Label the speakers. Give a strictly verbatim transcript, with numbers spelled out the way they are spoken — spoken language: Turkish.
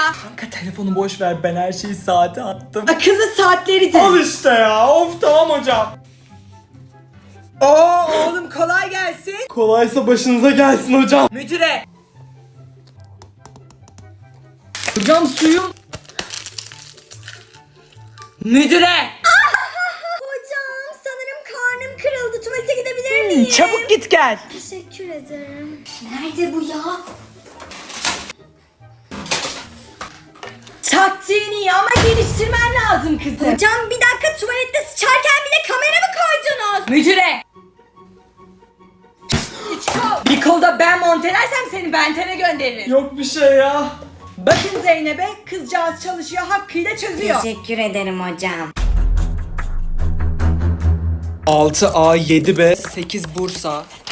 Speaker 1: Kanka telefonu boş ver, ben her şeyi saate attım.
Speaker 2: Akıllı saatleri de.
Speaker 1: Al işte ya, of tamam hocam.
Speaker 2: Oo oğlum kolay gelsin.
Speaker 1: Kolaysa başınıza gelsin hocam.
Speaker 2: Müdüre.
Speaker 1: Hocam suyum.
Speaker 2: Müdüre.
Speaker 3: Hocam sanırım karnım kırıldı. Tuvalete gidebilir miyim?
Speaker 2: Çabuk git gel.
Speaker 3: Teşekkür ederim. Nerede bu ya?
Speaker 2: Taktiğin iyi ama geliştirmen lazım kızım.
Speaker 3: Hocam bir dakika, tuvalette sıçarken bile kamera mı koydunuz?
Speaker 2: Müdüre. Bir kolda ben montelersem seni Benten'e gönderirim.
Speaker 1: Yok bir şey ya.
Speaker 2: Bakın Zeynep'e, kızcağız çalışıyor, hakkıyla çözüyor.
Speaker 3: Teşekkür ederim hocam.
Speaker 1: altı A, yedi B, sekiz Bursa,